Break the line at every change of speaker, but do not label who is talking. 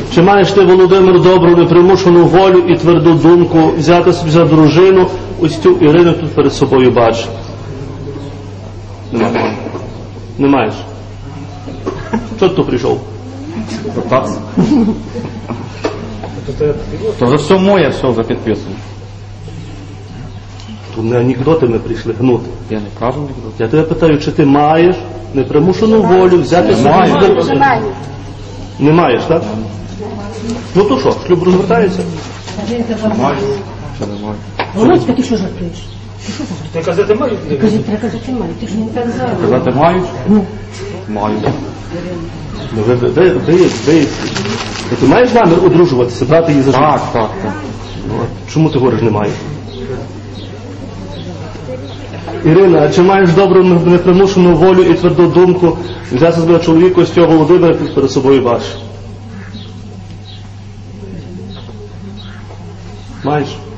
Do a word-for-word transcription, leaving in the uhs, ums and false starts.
Чи маєш ти, Володимир, добру непримушену волю і тверду думку взяти собі за дружину ось цю Ірину тут перед собою бачиш? Немає. Не маєш. Чого ти тут прийшов?
Питатися. То вже все моє, все вже підписано.
Тут не анекдоти ми прийшли гнути.
Я не кажу анекдоти.
Я тебе питаю, чи ти маєш непримушену волю взяти собі за дружину? Не маєш, так? Ну то що, шлюб розвертається?
Маю. Чи не маю?
Володька, ти що жартуєш?
Ти казати мають?
Кажи, треба казати маю, ти ж не так зараз.
Казати мають? Маю.
Ну, ви, ви, ви, ви, ви, ти маєш намір одружуватися, брати її за життя?
Так, так, так.
Чому ти говориш, не маєш? Ірина, а чи маєш добру непримушену волю і тверду думку взяти себе чоловіка ось цього Володимира перед собою бачиш? Маєш?